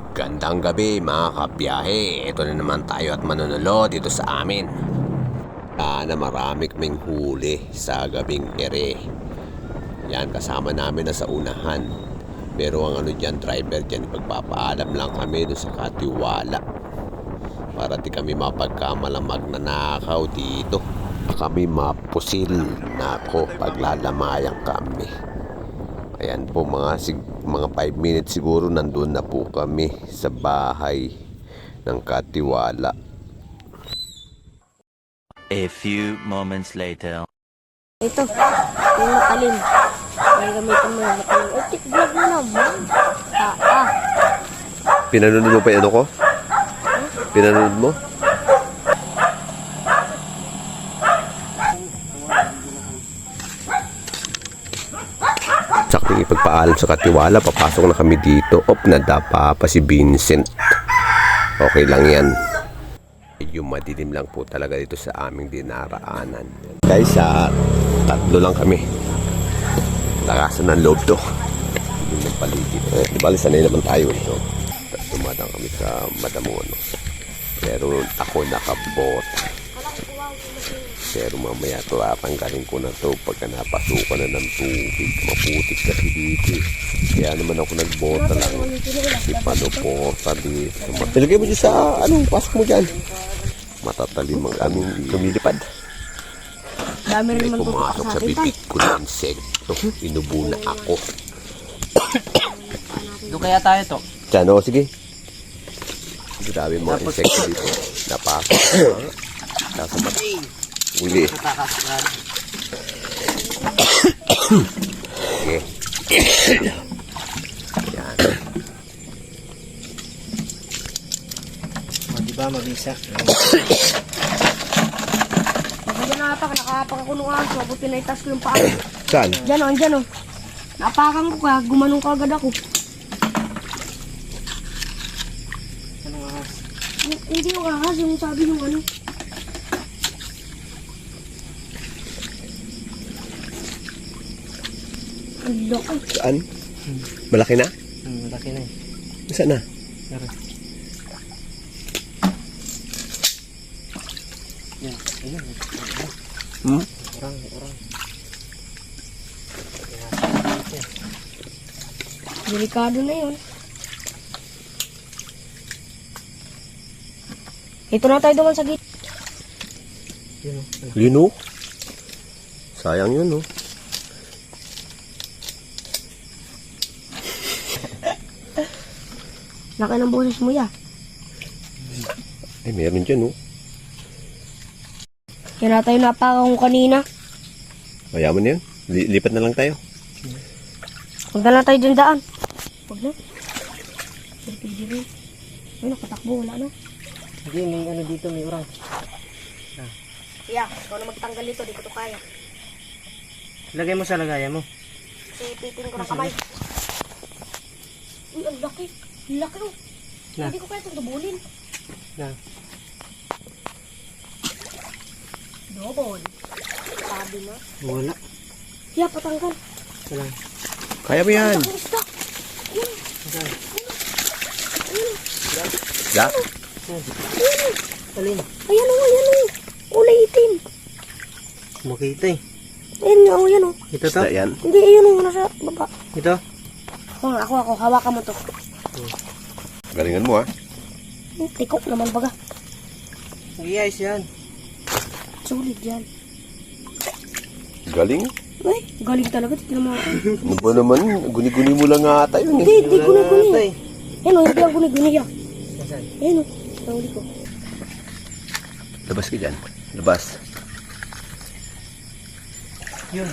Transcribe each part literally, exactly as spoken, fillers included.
Gandang gabi mga kabiyahe. Ito na naman tayo at manunulo dito sa amin. Sana marami kaming huli sa gabing ere. Yan, kasama namin na sa unahan. Pero ang ano dyan, driver dyan, ipagpapaalam lang kami doon sa katiwala para di kami mapagkamalang magnanakaw dito. Kami mapusil na ako paglalamayang kami. Ayan po mga sig mga five minutes siguro nandun na po kami sa bahay ng katiwala. A few moments later. Ito, yung matalim. Yung gamitin mo yung matalim. Eh, tik vlog mo naman. Ah, ah. Pinanood mo pa yung ano ko? Pinanood mo? Saking ipagpaalam sa katiwala, papasok na kami dito. Op, nadapa pa si Vincent. Okay lang yan. Medyo madilim lang po talaga dito sa aming dinaraanan. Guys, sa tatlo lang kami. Lakasan ng loob to. Yung ng paligid. Eh, di ba, sanay naman tayo ito. Dumadang kami sa Madamono. Pero ako nakabot. Pero mamaya ito, tatanggalin ko na to pagka napasukan na ng tubig. Maputik kasi dito. Kaya naman ako nagbota lang. Si Panoporta dito. Ilagay mo dyan sa, ano, pasok mo dyan. Matatalim ang aming lumilipad. Dami rin May naman pumasok sa bibig ko na insekto. Inubo na ako. Doon kaya tayo to? Diyan, o, sige. Grabe mga insekto dito. Napasok. Nasabat. Uli. Okay. Yan. O, diba mabisa? Pagka napak, nakapak ako nung aso. Buti na itas ko yung paa. Saan? Diyan o, diyan o. Napakan ko ka, gumanong ka agad ako. Anong ahas? Hindi yung ahas, yung sabi yung ano. Ang laki. Saan? Malaki na? Hmm, malaki na eh. Saan na? Pero, yan, ayun. Hmm? Orang, orang. Delikado na yun. Ito na tayo duman sa gate. Yun o. Yun o. Sayang yun o. Laki ng boses mo ya. Eh, meron dyan o. Yan na tayo napakan ko kanina. Kaya mo na yun. Li lipat na lang tayo. Huwag na lang tayo dyan daan. Huwag na. Pwede rin. Ay, nakatakbo. Wala na. Hindi, may ano dito, may orang. Yeah, ikaw na magtanggal dito. Di ko to kaya. Lagay mo sa lagayan mo. Kasi pitin ko ng kamay. Uy, ang laki. Ang laki oh. Na. Hindi ko kaya itong dubulin. Na. Double. Sabi na. Wala. Yeah, patanggal. Wala. Kaya mo yan. Ang isda. Yan. Saan? Da? Ayan. Alin? Ayan o, ayan o. Kulay itim. Makita eh. Ayan nga o, ayan o. Ito to? Da yan. Hindi, ayan o. Nasa baba. Ito? Ako nga, ako, ako. Hawakan mo to. Galingan mo ha. Hmm, tikok naman baga. Sige, ayos yan. Sulit yan. Galing. Ay, galing talaga. Tignan mo. Ano ba naman? Guni-guni mo lang nga ata yun eh. Hindi, hindi guni-guni. Ito eh. Ayan o, hindi ang guni-guni yan. Nasaan? Ayan o. Nahuli ko. Labas ka dyan. Labas. Yun.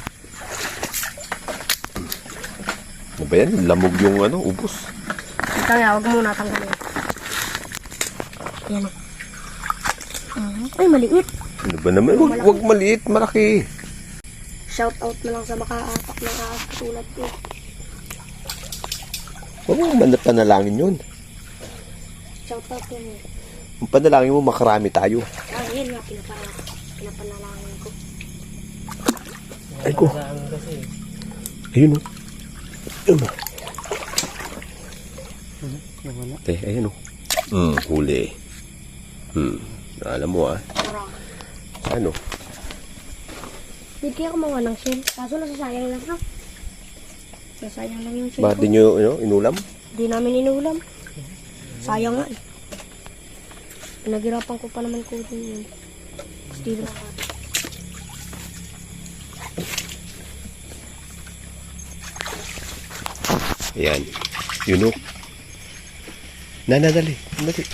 Ano ba yan? Lamog yung ano, ubos. Ito nga, huwag mo natanggalin. Ayan o. Uh, ay, maliit. Ano ba naman? Wag, wag maliit, malaki. Shout out na lang sa makaapak ng ahas katulad ko. Huwag mo manap panalangin yun. Shout out yun eh. Ang panalangin mo, makarami tayo. Ah, yan nga, pinapa- pinapanalangin ko. Ay ko. Saan kasi. Ayun o. Ayun o. Hmm, nawala. Eh, ayun o. Hmm, huli. Hmm, alam mo ah. Ano? Hindi kaya kumawa ng shell. Kaso nasasayang lang ha. Nasasayang lang yung shell Bakit ko. di nyo ano, inulam? Hindi namin inulam. Sayang nga eh. Pinaghirapan ko pa naman ko din yun. Still. Ayan. Yun o. Nanadali. Dali.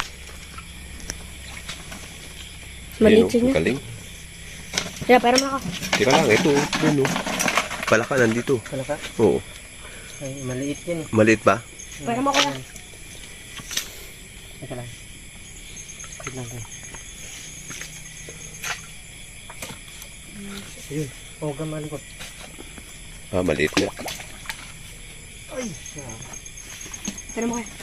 Maliit siya niya. Galing. Kaya, pera mo ako. Teka lang, ito. Yun o. Palaka nandito. Wala ka? Oo. Ay, maliit yan eh. Maliit ba? Pera mo ako na. Teka lang. Wait lang kayo. Ayun. Huwag kang malikot. Ah, maliit nga. Ay! Pera mo kayo.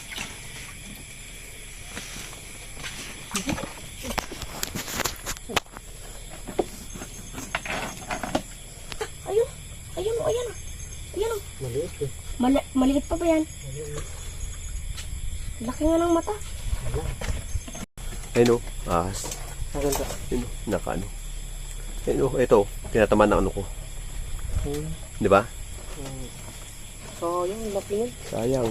Ayun. Ayun o, ayan o. Ayan o. Maliit eh. Mali maliit pa ba yan? Laki nga ng mata. Ayun o. Ahas. Ang ganda. Ayun o. Naka ano. Ayun o. Ito. Tinataman na ano ko. Hmm. Di ba? So, yung laki nun. Sayang.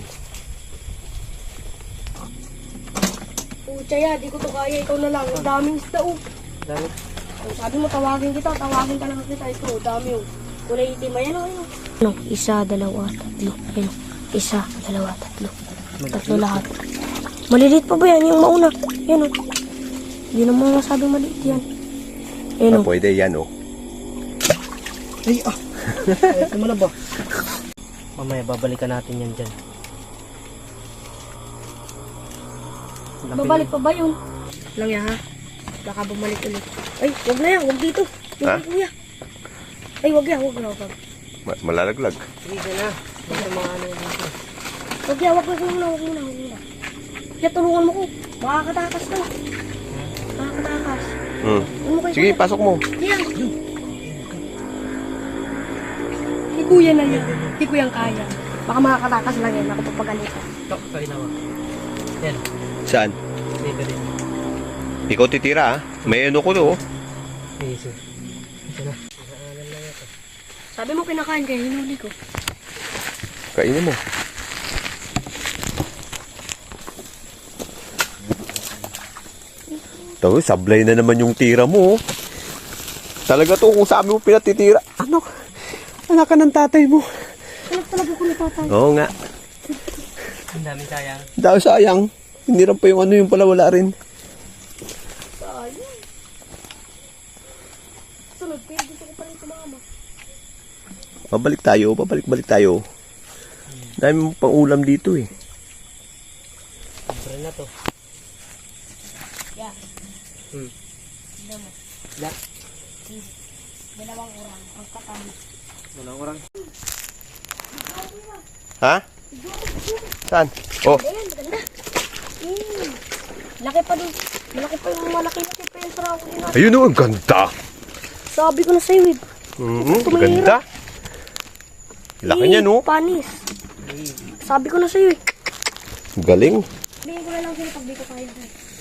Pucha ya, di ko to kaya. Ikaw na lang. Ang daming isda o. Dami. Ang sabi mo, tawagin kita. Tawagin ka lang kita. Ito, dami o. Kulay itim. Ayan o, ayan o. Ano? Isa, dalawa, tatlo. Ayan o. Isa, dalawa, tatlo. Tatlo lahat. Maliliit pa ba yan? Yung mauna. Ayan o. Hindi naman masabing maliit yan. Ayan Ah, o. pwede yan o. Ay, ah! Ay, mo na ba? Mamaya, babalikan natin yan dyan. Laki Babalik na. pa ba yun? Lang yan ha. Baka bumalik ulit. Ay, wag na yan. Wag dito. Yung Ha? kay kuya. Ay, wag yan. Wag na. Wag. Ma- malalaglag. Sige, dyan na. Dito mga ano yung dito. Wag yan. Wag na. Wag na. Wag na. Wag na. Kaya tulungan mo ko. Makakatakas ka. Makakatakas. Hmm. Ano mo kay Sige, kuya? pasok mo. Yan. Kay kuya na yan. Kay kuya ang kaya. Baka makakatakas lang yan. Ako papagalitan. Ito, kalinawa. Yan. Saan? Dito din. Ikaw titira ah. May ano ko to oh. Sige, sige. Ito na. Nakaalam lang ito. Sabi mo kinakain kaya hinuli ko. Kainin mo. Ito, sablay na naman yung tira mo oh. Talaga to kung sabi mo pinatitira. Ano? Anak ka ng tatay mo. Anak talaga ko natatay. Oo nga. Ang dami sayang. Dahil sayang. Hindi rin pa yung ano yung pala wala rin. Sayang. Sunod, pero gusto ko pa rin sumama. Pabalik tayo, pabalik-balik tayo. Dami mo pang ulam dito eh. Libre na to. Yeah. Hmm. Tignan mo. La. Dalawang orang. Ang kakami. Walang orang. Ha? Saan? Oh, Ayan, maganda. Hmm. Laki pa dun. Malaki pa yung malaki-laki pa yung sarap ko din. ayun oh, ang ganda. Sabi ko na sa'yo eh. Mm, ganda. Laki niya no. Panis. Sabi ko na sa'yo eh. Galing. Bigyan ko na lang sa'yo pag di ko kaya.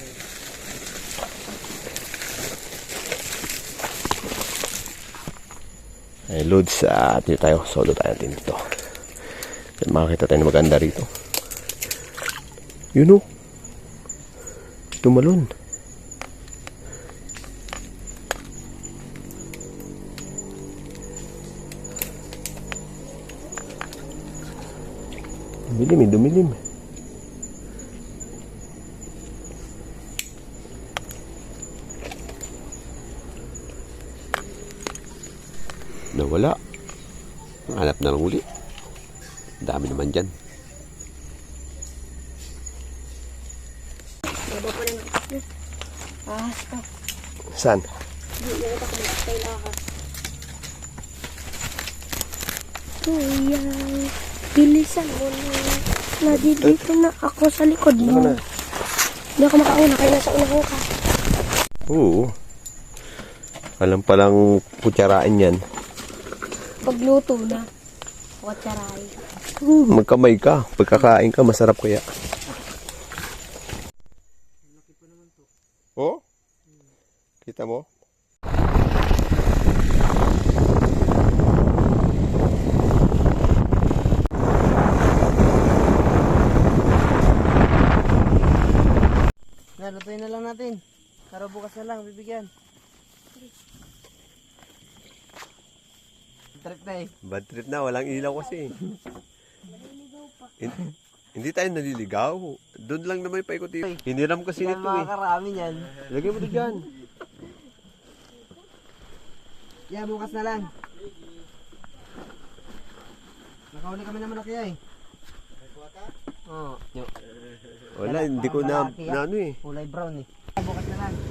Ay, Lods, uh, dito tayo. Solo tayo natin dito. At makakita tayo na maganda rito. Yun o. Tumalon. Dumilim eh, dumilim. Nawala. Hanap na lang uli. Dami naman dyan. Baba pa rin. Ahas ka. Saan? Hindi na kita kumakas kay ahas. Kuya, bilisan mo na. Nadidito na ako sa likod mo. Ano na? Hindi ako makauna kaya nasa unahan ka. Oo. Alam palang kutsaraan yan. Pagluto na. Watsaray. Hmm, magkamay ka. Pagkakain ka, masarap kaya. Kita mo? Nalutuin na lang natin. Para bukas na lang, bibigyan. Trip na eh. Bad trip na, walang ilaw kasi. Hin- hindi tayo naliligaw. Doon lang naman paikot-ikot. Hiniram kasi Yan nito eh. makakarami yan. Lagay mo to dyan. Yeah, bukas na lang. Nakauli kami naman na kaya eh. Oo. Oh, Wala, hindi ko na, na ano eh. kulay brown eh. Bukas na lang.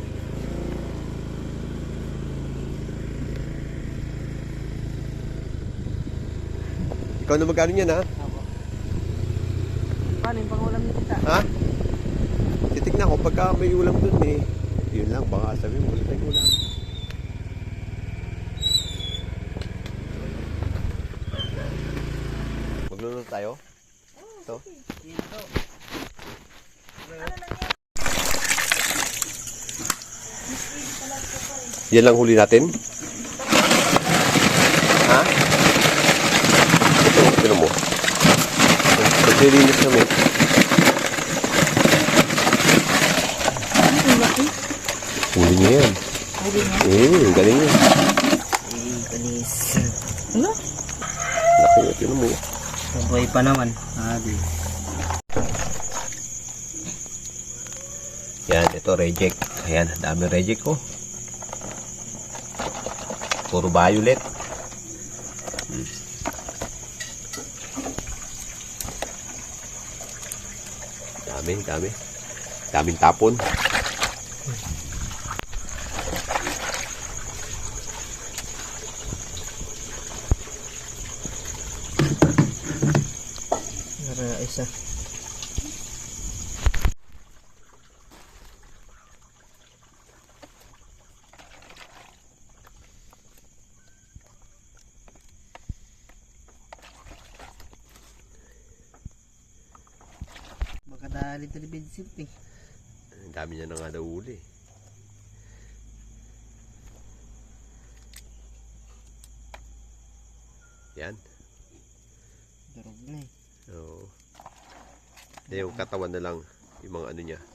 Ikaw na magkano yan ha? Paano yung pangulam niyo kita? Ha? Titignan ko pagka may ulam dun eh. Yun lang, baka sabi mo, wala tayong ulam. Magluluto tayo? Ito? Yan lang huli natin? Ha? Ito, tino mo. Paglilinis namin. Huli niya yan. Eh, galing yan. Eh, kanis. Laki yun, tino mo. Mabuhay pa naman. Ah, di. Yan, ito reject. Ayan, dami reject ko. Puro violet. Hmm. Dami, dami. Daming tapon. Nara isa. Baka dali talibid sip eh. Ang dami niya na nga daw uli. Yan. Durog na eh. Oo. Yung katawan na lang, yung mga ano niya.